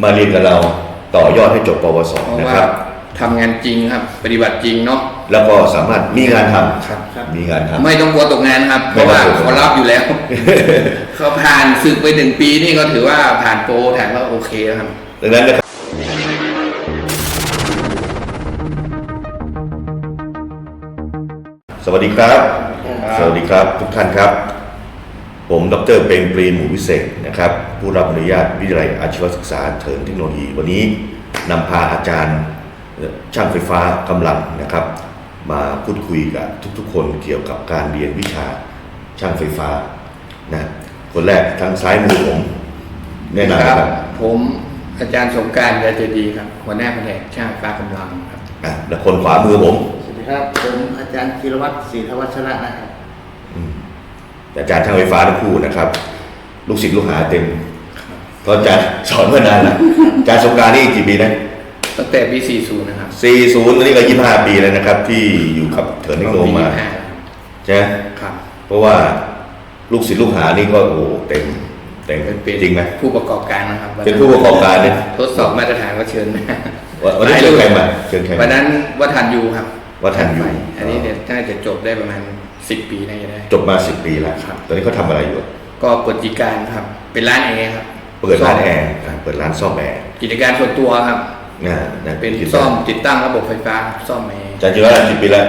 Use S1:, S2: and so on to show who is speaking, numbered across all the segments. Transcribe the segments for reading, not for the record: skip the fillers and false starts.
S1: มาเรียนกับเราต่อยอดให้จบปวสนะครับ
S2: ทำงานจริงครับปฏิบัติจริงเนาะ
S1: แล้วก็สามารถมีงานทำ
S2: ครับ
S1: มีงานทำ
S2: ไม่ต้องกลัวตกงานครับเพราะว่าเขารับอยู่แล้ว เขาผ่านศึกไป1 ปีนี่ก็ถือว่าผ่านโปรแถมว่าโอเคแล้วครับ
S1: ดังนั้นนะครับสวัสดีครับสวัสดีครับทุกท่านครับผมดร.เปรมปรีหมู่วิเศษนะครับผู้รับอนุญาตวิทยาลัยอาชีวศึกษาเถินเทคโนโลยีวันนี้นำพาอาจารย์ช่างไฟฟ้ากำลังนะครับมาพูดคุยกับทุกๆคนเกี่ยวกับการเรียนวิชาช่างไฟฟ้านะคนแรกทางซ้ายมือผมแนะนำครับ
S2: ผมอาจารย์สงกรานต์ ยาเจดีครับหัวหน้าแผนกช่างไฟฟ้ากำลังครับ
S1: และคนขวามือผม
S3: สวัสดีครับผมอาจารย์ธีรวัตรศรีธวัชระนะครับ
S1: อาจารย์ช่างไฟฟ้าทั้งคู่นะครับลูกศิษย์ลูกหาเต็มเพราะอาจารย์สอนมานานแล้วอาจารย์สงกรานต์นี่กี่ปีนะ
S2: ตั้งแต่ปี40นะครับ
S1: 40ตอนนี้ก็25 ปีแล้วนะครับที่อยู่กับเถินเทคโนโลยีมาใช่ไหม
S2: ครับ
S1: เพราะว่าลูกศิษย์ลูกหานี่ก็โอ้เต็มจริงไหม
S2: ผู้ประกอบการนะครับ
S1: เป็นผู้ประกอบการเนี่ย
S2: ทดสอบมาตรฐานก็เชิญ
S1: วันนี้เชิญใครมาเชิญใคร
S2: วันนั้นวัฒนยูครับ
S1: วัฒนยู
S2: อันนี้เนี่ยน่าจะจบได้ประมาณ10 ปีน่าจะได้
S1: จบมา10 ปีแล้วตอนนี้เขาทำอะไรอยู่
S2: ก็เปิดกิจการครับเป็นร้านแอร์ครับ
S1: เปิดร้านแอร์เปิดร้านซ่อมแอร์
S2: กิจการส่วนตัวครับเป็นซ่อมติดตั้งระบบไฟฟ้าซ่อมแอร์
S1: อาจารย์จิรวัฒน์10 ปีแล้ว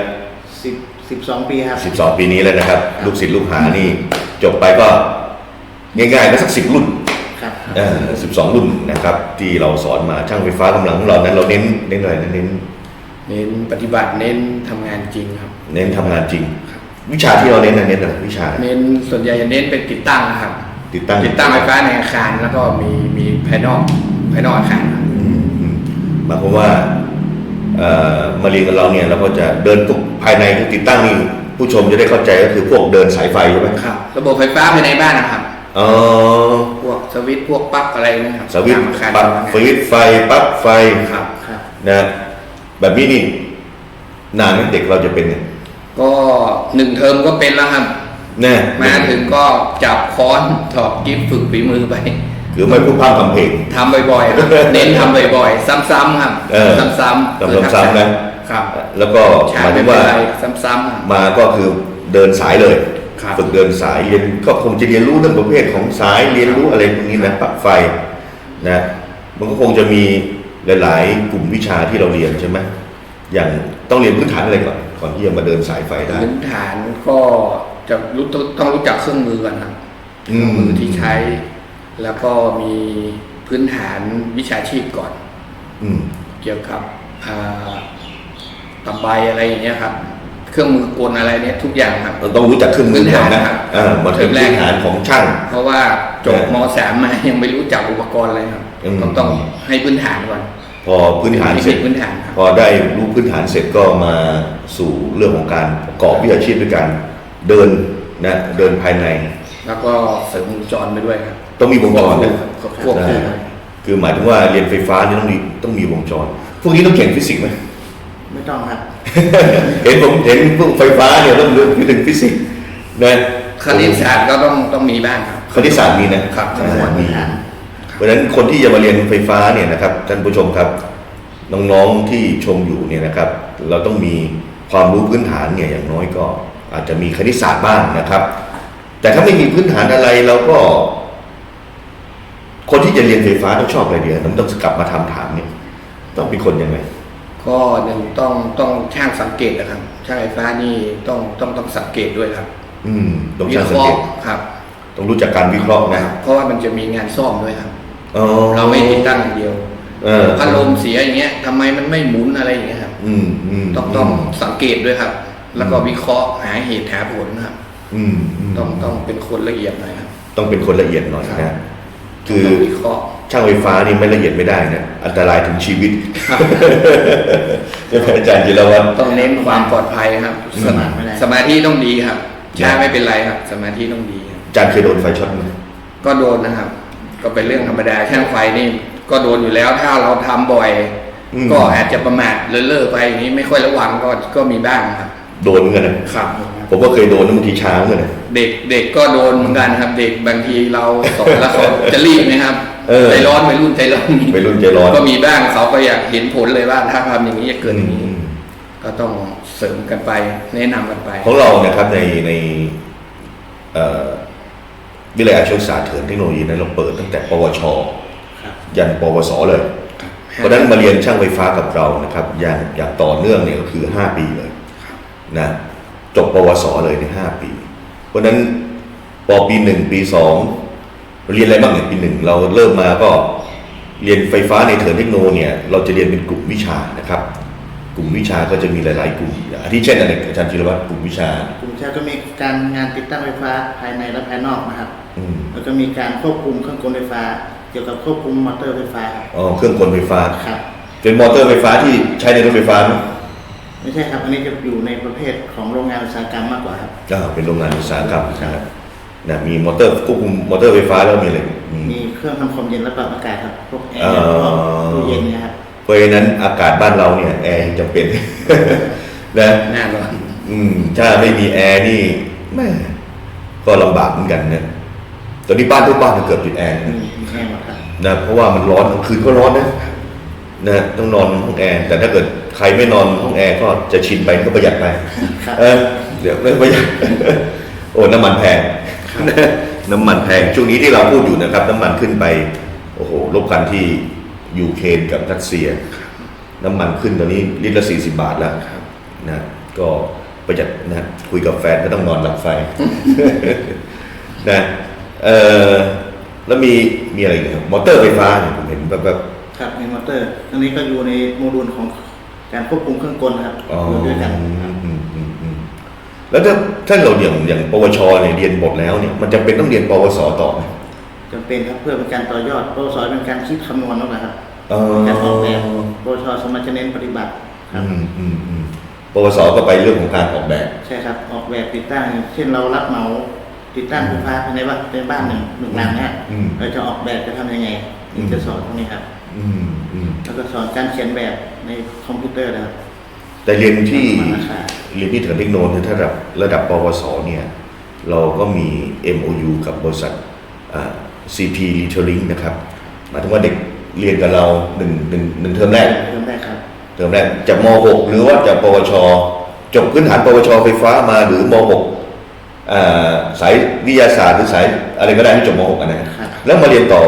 S3: 12 ปีครับ
S1: 12 ปีนี้แล้วนะครับลูกศิษย์ลูกหานี่จบไปก็ง่ายๆก็สัก10 รุ่น
S3: ครับ
S1: 12 รุ่นนะครับที่เราสอนมาช่างไฟฟ้ากำลังของเรานั้นเราเน้นอะไรเน้น
S2: ปฏิบัติเน้นทำงานจริงครับ
S1: เน้นทำงานจริงวิชาที่เราเน้นอะไรวิชา
S2: เน้นส่วนใหญ่จะเน้นเป็นติดตั้งครับ
S1: ติดตั้ง
S2: ไฟฟ้าในอาคารแล้วก็มีภายนอกอาคาร
S1: หมายความว่ามาเรียนกับเราเนี่ยเราก็จะเดินภายในที่ติดตั้งนี่ผู้ชมจะได้เข้าใจก็คือพวกเดินสายไฟใช่ไหม
S2: ครับระบบไฟฟ้าภายในบ้านนะครับพวกสวิตช์พวกปลั๊กอะไรนะครับ
S1: สวิตช์ปลั๊กสวิตช์ไฟปลั๊กไฟ
S2: ครับ
S1: นะแบบนี้นี่นานเด็กเราจะเป็นเนี่ย
S2: ก็1 เทอมก็เป็นแล้วครับ
S1: เนี่ย
S2: มาถึงก็จับค้อนถอดกิ๊บฝึกฝีมือไป
S1: คือไม่พูดพร่ำทำเพลง
S2: ทำบ่อยๆเน้นทำบ่อยๆซ้ำๆครับซ้ำ
S1: ๆนะครับแล้วก็หมายถึงว่า
S2: ซ้ำๆ
S1: มาก็คือเดินสายเลยฝึกเดินสายเรียนก็คงจะเรียนรู้เรื่องประเภทของสายเรียนรู้อะไรพวกนี้นะปลั๊กไฟนะมันก็คงจะมีหลายๆกลุ่มวิชาที่เราเรียนใช่ไหมอย่างต้องเรียนพื้นฐานอะไรก่อนที่จะมาเดินสายไฟได้
S2: พื้นฐานก็จะต้องรู้จักเครื่องมือก่อนครับเครื่องมือที่ใช้แล้วก็มีพื้นฐานวิชาชีพก่อนเกี่ยวกับตะไบอะไรอย่างเงี้ยครับเครื่องมือกลอะไรเนี่ยทุกอย่างครับ
S1: เราต้องรู้จักเครื่องมือก่อนนะมันเป็นพื้นฐานของช่าง
S2: เพราะว่าจบม.3 มายังไม่รู้จักอุปกรณ์อะไรครับต้องให้พื้นฐานก่อน
S1: พอพื้นฐานเสร็จพอได้รู้พื้นฐานเสร็จก็มาสู่เรื่องของการประกอบวิชาชีพด้วยการเดินภายใน
S2: แล้วก็เสริมวงจรไปด้วยครับ
S1: ต้องมีวงจรนะ
S2: ควบคู่
S1: คือหมายถึงว่าเรียนไฟฟ้านี่ต้องมีวงจรพวกนี้ต้องเก่งฟิสิกส์ไหม
S3: ไม่ต้องครับ
S1: เห็นพวกไฟฟ้าเนี่ยต้องเรียนถึงฟิสิกส์นะ
S2: คณิตศาสตร์ก็ต้องมีบ้างครับ
S1: คณิตศาสตร์มีนะครับมีเพราะฉะนั้นคนที่จะมาเรียนไฟฟ้าเนี่ยนะครับท่านผู้ชมครับน้องๆที่ชมอยู่เนี่ยนะครับเราต้องมีความรู้พื้นฐานเนี่ยอย่างน้อยก็อาจจะมีคณิตศาสตร์บ้างนะครับแต่ถ้าไม่มีพื้นฐานอะไรเราก็คนที่จะเรียนไฟฟ้าต้องชอบอะไรเดียวต้องกลับมาถามเนี่ยต้องเป็นคนยังไง
S2: ก็1ต้องช่างสังเกตนะครับช่างไฟฟ้านี่ต้องสังเกตด้วยครับ
S1: ต้องช่างสังเกต
S2: ครับ
S1: ต้องรู้จักการวิเคราะห์นะ
S2: เพราะว่ามันจะมีงานซ่อมด้วยครับเราไม่ติดตั้งอย่างเดียวพัดลมเสียอย่างเงี้ยทำไมมันไม่หมุนอะไรอย่างเงี้ยครับต้องสังเกตด้วยครับแล้วก็วิเคราะห์หาเหตุหาผลครับต้องเป็นคนละเอียดหน่อยครับ
S1: ต้องเป็นคนละเอียดหน่อยนะคือช่างไฟฟ้านี่ไม่ละเอียดไม่ได้นะอันตรายถึงชีวิตอาจารย์จิรวัฒน์
S2: ต้องเน้นความปลอดภัยครับสมาธิต้องดีครับใช่ไม่เป็นไรครับสมาธิต้องดี
S1: อาจารย์เคยโดนไฟช็อตไหม
S2: ก็โดนนะครับก็เป็นเรื่องธรรมดาช่างไฟนี่ก็โดนอยู่แล้วถ้าเราทำบ่อยก็อาจจะประมาทเลิกไปอย่างนี้ไม่ค่อยระวังก็มีบ้างครับ
S1: โดนเหมือนกันนะครับผมก็เคยโดนบางทีช้าเหมือนกัน
S2: เด็กก็โดนเหมือนกันครับเด็กบางทีเราสอนแล้วเขาจะรีบไหมครับใจร้อนวัยรุ่นใจร้อน
S1: วัยรุ่นใจร้อน
S2: ก็มีบ้างเขาก็อยากเห็นผลเลยว่าถ้าทำอย่างนี้จะเกิดอย่างนี้ก็ต้องเสริมกันไปแนะนำกันไป
S1: ของเรานะครับในวิทยาลัยอาชีวศึกษาเถินเทคโนโลยีนั้นเราเปิดตั้งแต่ปวชยันปวสเลยเพราะฉะนั้นมาเรียนช่างไฟฟ้ากับเรานะครับอย่างต่อเนื่องเนี่ยก็คือ5 ปีเลยนะจบปวสเลยใน5 ปีเพราะฉะนั้นปปี 1 ปี 2เรียนอะไรบ้างเนี่ยปี 1เราเริ่มมาก็เรียนไฟฟ้าในเถินเทคโนเนี่ยเราจะเรียนเป็นกลุ่มวิชานะครับกลุ่มวิชาก็จะมีหลายๆกลุ่มอาทิเช่นอะไรอาจารย์จิรวัตรกลุ่มวิชาก
S3: ลุ่มวิชาก็มีการงานติดตั้งไฟฟ้าภายในและภายนอกนะครับแล้วก็มีการควบคุมเครื่องกลไฟฟ้าเกี่ยวกับควบคุมมอเตอร์ไฟฟ้า
S1: อ๋อเครื่องกลไฟฟ้า
S3: ครับ
S1: เป็นมอเตอร์ไฟฟ้าที่ใช้ในรถไฟฟ้าไหม
S3: ไม่ใช่ครับอันนี้จะอยู่ในประเภทของโรงงานอุตสาหกรรมมากกว่าครับ
S1: เป็นโรงงานอุตสาหกรรมนะครับนะมีมอเตอร์ควบคุมมอเตอร์ไฟฟ้าแล้วมีอะไร
S3: มีเครื่องทำความเย็นและปรับอากาศครับพวกแอร์ตู้เย็นนะครับ
S1: เพราะฉะนั้นอากาศบ้านเราเนี่ยแอร์จำเป็นนะ
S2: แน่นอน
S1: ถ้าไม่มีแอร์นี่แม่ก็ลำบากเหมือนกันนะตอนนี้บ้านทุกบ้านเกือบติดแอร์นะเพราะว่ามันร้อนกลางคืนก็ร้อนนะต้องนอนห้องแอร์แต่ถ้าเกิดใครไม่นอนห้องแอร์ก็จะชินไปก็ประหยัดไปเดี๋ยวไม่ประหยัดโอ้น้ำมันแพงน้ำมันแพงช่วงนี้ที่เราพูดอยู่นะครับน้ำมันขึ้นไปโอ้โหรบกันที่ยูเครนกับรัสเซียน้ำมันขึ้นตอนนี้ลิตรละ40 บาทแล้วนะก็ประหยัดนะคุยกับแฟนก็ต้องนอนหลับไฟนะแล้วมีอะไรอีกครับมอเตอร์ไฟฟ้าเนี่ยผมเห็นแบบ
S3: ครับในมอเตอร์อันนี้ก็อยู่ในโมดูลของการควบคุมเครื่องกลครับด้วยกัน
S1: แล้วถ้าเราอย่างปวชเนี่ยเรียนหมดแล้วเนี่ยมันจะเป็นต้องเรียนปวสต่อไหม
S3: จำเป็นครับเพื่อเป็นการต่อยอดปวสเป็นการคิดคำนวณนะครับการออกแบบปวชสมัชเน้นปฏิบัติครับ
S1: ปวสก็ไปเรื่องของการออกแบบ
S3: ใช่ครับออกแบบติดตั้งเช่นเรารับเหมาติดตั้งไฟฟ้าภายในบ้านหนึ่งหลังนะเราจะออกแบบจะทำยังไงนี่จะสอนตรงนี้ครับแล้วก็สอนการเขียนแบบในคอมพิวเตอร์นะครับ
S1: แต่เรียนที่เถินเทคโนโลยีถ้าระดับปวสเนี่ยเราก็มี MOU กับบริษัทCP Retailing นะครับหมายถึงว่าเด็กเรียนกับเราหนึ่งเทอมแรก
S3: ครับ
S1: เทอมแรกจากม.6 หรือว่าจากปวชจบพื้นฐานปวชไฟฟ้ามาหรือม.6 สายวิทยาศาสตร์หรือสายอะไรก็ได้ที่จบม.6 นะแล้วมาเรียนต่อ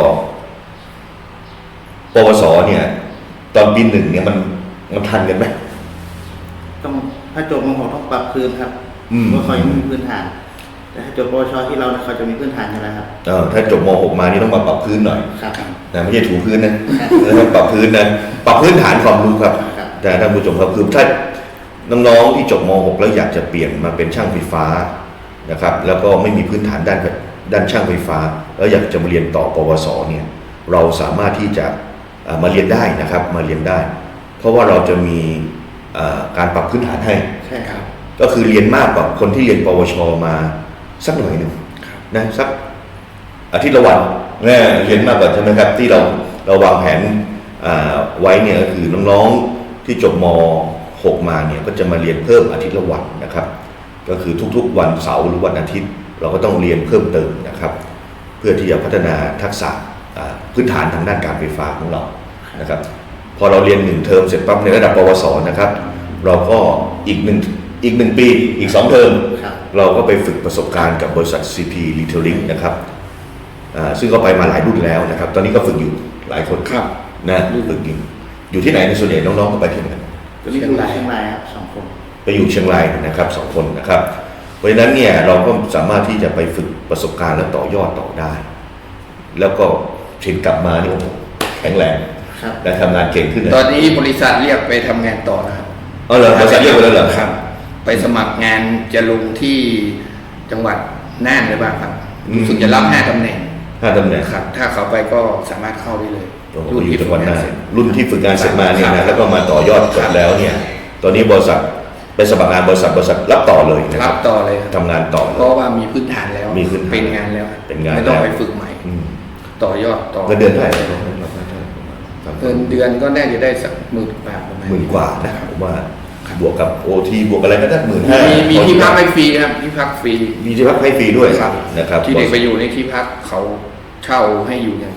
S1: ปวสเนี่ยตอนปี 1เนี่ยมันทันกันไหม
S3: ต้องถ้าจบม.6 ต้องปรับพื้นครับเพราะเขายังไม่มีพื้นฐานแต่ถ้าจบปวชที่เราเขาจะมีพื้นฐานอยู่แล้วครับ
S1: ถ้าจบม.6 มานี่ต้องมาปรับพื้นหน่อย
S3: ครับ
S1: นะไม่ใช่ถูพื้นนะต้องปรับพื้นนะปรับพื้นฐานความรู้ครับแต่ท่านผู้ชมครับคือถ้าน้องๆที่จบม.6 แล้วอยากจะเปลี่ยนมาเป็นช่างไฟฟ้านะครับแล้วก็ไม่มีพื้นฐานด้านช่างไฟฟ้าแล้วอยากจะมาเรียนต่อปวสเนี่ยเราสามารถที่จะมาเรียนได้นะครับมาเรียนได้เพราะว่าเราจะมีการปรับพื้นฐานให้
S3: ใช่ครับ
S1: ก็คือเรียนมากกว่าคนที่เรียนปวชมาสักหน่อยหนึ่งนะสักอาทิตย์ละวันเนี่ยเรียนมากกว่าใช่ไหมครับที่เราวางแผนไว้เนี่ยก็คือน้องๆที่จบม.6 มาเนี่ยก็จะมาเรียนเพิ่มอาทิตย์ละวันนะครับก็คือทุกๆวันเสาร์หรือวันอาทิตย์เราก็ต้องเรียนเพิ่มเติมนะครับเพื่อที่จะพัฒนาทักษะพื้นฐานทางด้านการไฟฟ้าของเรานะครับพอเราเรียน1 เทอมเสร็จปั๊บในระดับปวสนะครับเราก็อีก1 ปีอีก2 เทอมเราก็ไปฝึกประสบการณ์กับบริษัท CP Retailing นะครับซึ่งก็ไปมาหลายรุ่นแล้วนะครับตอนนี้ก็ฝึกอยู่หลายคนนะฝึกอยู่ที่ไหนในส่วนใหญ่น้องๆก็ไปที่ไหน
S3: เชียงรายครับ2 คน
S1: ไปอยู่เชียงรายนะครับ2 คนนะครับเพราะฉะนั้นเนี่ยเราก็สามารถที่จะไปฝึกประสบการณ์และต่อยอดต่อได้แล้วก็เชิญกลับมานี่โอ้โหแข็งแรงและทำงานเก่งขึ้น
S2: ตอนนี้บริษัทเรียกไปทำงานต่อนะครับ
S1: เหรอบริษัทเรียกไปแล้วเหรอ
S2: ครับไปสมัครงานจะลงที่จังหวัดน่านหรือเปล่าครับรู้สึกจะรับ5 ตำแหน่งครับถ้าเขาไปก็สามารถเข้าได้เลย
S1: รุ่นที่ฝึกงานรุ่นที่ฝึกงานเสร็จมาเนี่ยนะแล้วก็มาต่อยอดจบแล้วเนี่ยตอนนี้บริษัทไปสมัครงานบริษัทรับต่อเลย
S2: รับต่อเลย
S1: ทำงานต่อ
S2: เพราะว่ามีพื้นฐานแล้วเป็นงานแล้วไม่ต้องไปฝึกใหม่ต่อยอดต่อ
S1: เงินเดือนเท่าไหร่
S2: เดือนก็น่าจะได้สัก10,000 บาทประมาณ
S1: 10,000 กว่านะผมว่าบวกกับOTบวกอะไรก็ได้
S2: 15,000มีที่พักให้ฟรีครับที่พักฟรี
S1: มีที่พักให้ฟรีด้วยนะครับ
S2: ที่เด็กไปอยู่ในที่พักเขาเช่าให้อยู่อย่างดีเลย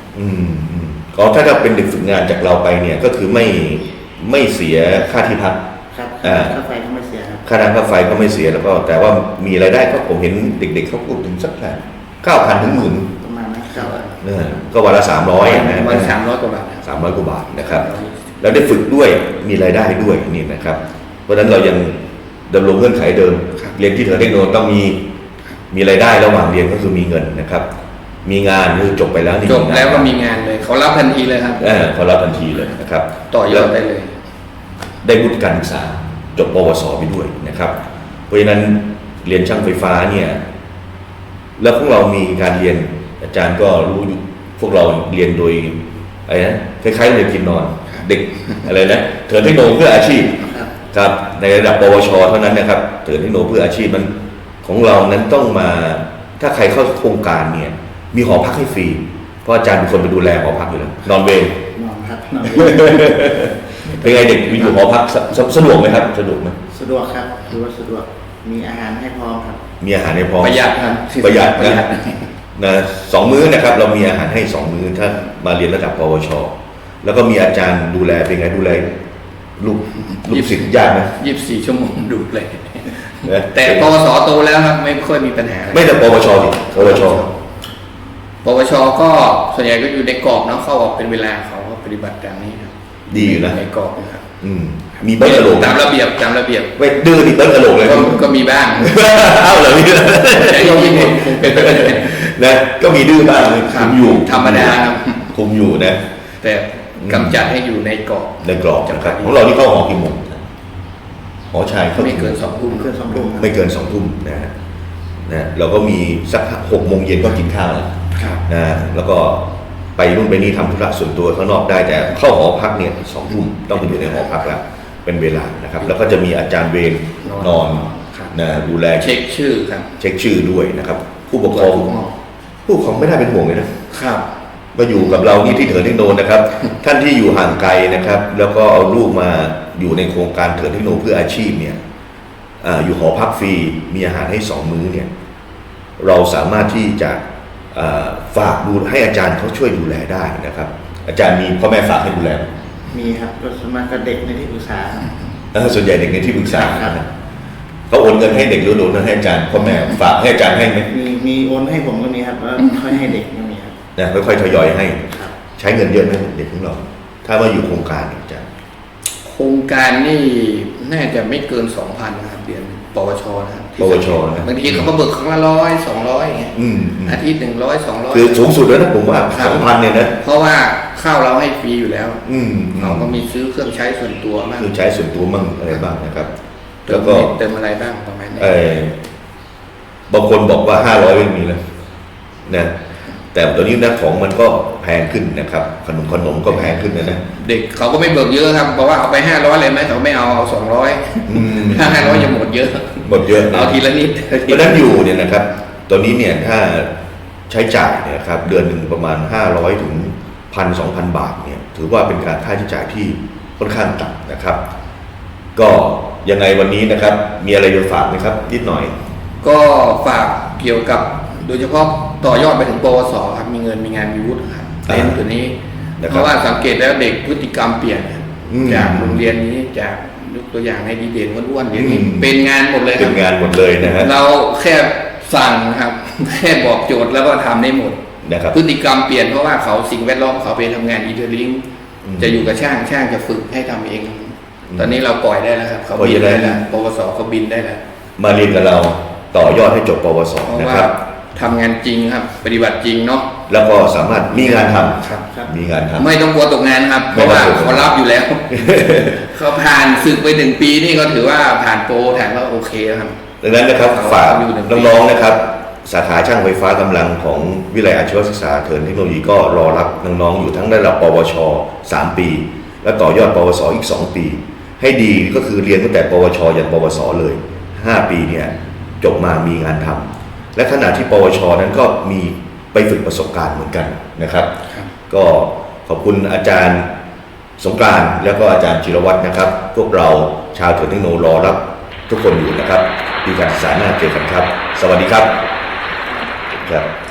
S1: ก็ถ้าเป็นเด็กฝึกงานจากเราไปเนี่ยก็คือไม่เสียค่าที่พัก
S3: ครับค่าไฟก็ไม่เสียครับ
S1: ค่าน้ำค่าไฟก็ไม่เสียแล้วก็แต่ว่ามีรายได้ก็ผมเห็นเด็กๆเขาพูดถึงสัก9,000 ถึง 10,000
S3: ประมาณนั้นครับ
S1: ก็วันละ300นะ
S2: วัน300 กว่าบาท
S1: 300 กว่าบาทนะครับแล้วได้ฝึกด้วยมีรายได้ด้วยนี่นะครับเพราะฉะนั้นเรายังดำรงเงื่อนไขเดิมเรียนที่เทอร์เทคโนต้องมีรายได้ระหว่างเรียนก็คือมีเงินนะครับมีงานคือจบไปแล้ว
S2: จบแล้วก็มีงานเลยเขารับทันทีเลยครับ
S1: เขารับทันทีเลยนะครับ
S2: ต่อยอดได้เลย
S1: ได้วุฒิการศึกษาจบปวสไปด้วยนะครับเพราะฉะนั้นเรียนช่างไฟฟ้าเนี่ยแล้วพวกเรามีการเรียนอาจารย์ก็รู้พวกเราเรียนโดยอะไรนะคล้ายๆเรียนกินนอนเด็กอะไรนะเถิดเทคโนเพื่ออาชีพครับในระดับปวชเท่านั้นนะครับเถิดเทคโนเพื่ออาชีพมันของเรานั้นต้องมาถ้าใครเข้าโครงการเนี่ยมีหอพักให้ฟรีเพราะอาจารย์เป็นคนไปดูแลหอพักอยู่แล้วนอนเวร
S3: นอนครับ
S1: เป็นไงเด็กอยู่หอพักสะดวกไหมครับสะดวกไหม
S3: สะดวกครับถือว่าสะดวกมีอาหารให้พร้อมครับ
S1: มีอาหารให้พร้อม
S2: ประหยัดครับ
S1: ประหยัดนะ2 มื้อนะครับเรามีอาหารให้2 มื้อถ้ามาเรียนระดับปวชแล้วก็มีอาจารย์ดูแลเป็นไงดูแลลูกศิษย์ยากไหม
S2: 24 ชั่วโมงดูเลยแต่ปวสโตแล้วครับไม่ค่อยมีปัญหา
S1: ไม่แต่ปวชดิปวช
S2: ก็ส่วนใหญ่ก็อยู่ในกรอบเนาะเข้าออกเป็นเวลาเขาก็ปฏิบัติตามนี้ครับ
S1: ดีอยู่นะ
S2: ในกรอบนะครับ
S1: มีเบิ้ลกระโหลก
S2: ตามระเบียบ
S1: ไม่ดื้อดิเบิ้ลกระโหลกเลย
S2: ก็มีบ้าง
S1: เอาเหรอมี
S2: ก็มี
S1: นะก็มีดื้อบ้างคุมอยู่
S2: ธรรมดาครับ
S1: คุมอยู่นะ
S2: แต่กำจัดให้อยู่ในกรอบ
S1: นะครับของเราที่เข้าหอกี่โมงหอชาย
S2: ไม่เกิน 2 ทุ่ม
S1: ไม่เกิน 2 ทุ่มนะเราก็มีสัก6 โมงเย็นก็กินข้าวแล้วนะแล้วก็ไปนู่นไปนี่ทำธุระส่วนตัวข้างนอกได้แต่เข้าหอพักเนี่ย2 ทุ่มต้องไปอยู่ในหอพักแล้วเป็นเวลานะครับแล้วก็จะมีอาจารย์เวรนอนนะดูแล
S2: เช็คชื่อครับ
S1: เช็คชื่อด้วยนะครับผู้ปกครองไม่ได้เป็นห่วงเลยนะครับมาอยู่กับเรานี่ที่เถิดเทคโนนะครับท่านที่อยู่ห่างไกลนะครับแล้วก็เอาลูกมาอยู่ในโครงการเถิดเทคโนเพื่ออาชีพเนี่ยอยู่หอพักฟรีมีอาหารให้2 มื้อเนี่ยเราสามารถที่จะฝากดูให้อาจารย์เขาช่วยดูแลได้นะครับอาจารย์มีพ่อแม่ฝากให้ดูแล
S3: มีครับก็สมัครเด็กในที่ปรึกษา
S1: ส่วนใหญ่เด็กในที่ปรึกษาเขาโอนเงินให้เด็กหรือโอนเงินให้อาจารย์พ่อแม่ฝากให้อาจารย์ให้ไหม
S3: มีโอนให้ผมก็มีครับแล้วค่อยให้เด็กก็มีครับ
S1: ค่อยๆทยอยให้ใช้เงินเยอะไหมเด็กของเราถ้ามาอยู่โครงการอาจารย์
S2: โครงการนี่น่าจะไม่เกิน 2,000 นะครับเดือนปวชนะครับ
S1: ปวช
S2: บางทีเขาก็เบิกครั้งละ100 200อย่างเงี้ยอาทิตย์100 200
S1: คือสูงสุดแล้วนะผมว่า 2,000 เนี่ยนะ
S2: เพราะว่าข้าวเราให้ฟรีอยู่แล้วเราก็มีซื้อเครื่องใช้ส่วนตัวบ้าง
S1: คือใช้ส่วนตัวมั่งอะไรบ้างนะครับ
S2: แล้วก็เติมอะไรบ้างประมาณนี้
S1: บางคนบอกว่า500ไม่มีแล้วนะแต่ตอนนี้นะของมันก็แพงขึ้นนะครับขนมก็แพงขึ้นนะ
S2: เด็กเขาก็ไม่เบิกเยอะครับเพราะว่าเอาไป500เลยไหมเขาไม่เอา200ถ้า500จะหมดเยอะเอาทีละนิด
S1: เพราะนั้นอยู่เนี่ยนะครับตอนนี้เนี่ยถ้าใช้จ่ายเนี่ยครับเดือนหนึ่งประมาณ500 ถึง 1,000-2,000 บาทเนี่ยถือว่าเป็นการค่าใช้จ่ายที่ค่อนข้างต่ำนะครับก็ยังไงวันนี้นะครับมีอะไรจะฝากไหมครับนิดหน่อย
S2: ก็ฝากเกี่ยวกับโดยเฉพาะต่อยอดไปถึงปวสครับมีเงินมีงานมีวุฒิครับเน้นตัวนี้เพราะว่าสังเกตแล้วเด็กพฤติกรรมเปลี่ยนจากโรงเรียนนี้จากยกตัวอย่างในดีเด่นอ้วนๆอย่างนี้เป็นงานหมดเลย
S1: เป็นงานหมดเลยนะฮะ
S2: เราแค่สั่งครับแค่บอกโจทย์แล้วก็ทำได้หมด
S1: นะครับ
S2: พฤติกรรมเปลี่ยนเพราะว่าเขาสิ่งแวดล้อมเขาไปทำงานอีเทอร์ลิงจะอยู่กับช่างจะฝึกให้ทำเองตอนนี้เราปล่อยได้แล้วครับเขาบินได้แล้วปวสเขาบินได้แล้ว
S1: มาเรียนกับเราต่อยอดให้จบปวสนะครับ
S2: ทำงานจริงครับปฏิบัติจริงเนาะ
S1: แล้วก็สามารถมีงานทำมีงานทำ
S2: ไม่ต้องกลัวตกงานครับเพราะว่าเขารับอยู่แล้วเขาผ่านศึกไป1 ปีนี่ก็ถือว่าผ่านโปรแถมว่าโอเคครับ
S1: ดังนั้นนะครับฝากน้องๆนะครับสาขาช่างไฟฟ้ากำลังของวิทยาลัยอาชีวศึกษาเทิร์นเทคโนโลยีก็รอรับน้องๆอยู่ทั้งระดับปวช3 ปีและต่อยอดปวสอีก2 ปีให้ดีก็คือเรียนตั้งแต่ปวชยันปวสเลย5 ปีเนี่ยจบมามีงานทำและขณะที่ปวชนั้นก็มีไปฝึกประสบการณ์เหมือนกันนะครับก็ขอบคุณอาจารย์สงกรานต์แล้วก็อาจารย์จิรวัฒน์นะครับพวกเราชาวเถิดเทคโนรอรับทุกคนอยู่นะครับปีการศึกษาหน้าเจอกันครับสวัสดีครับ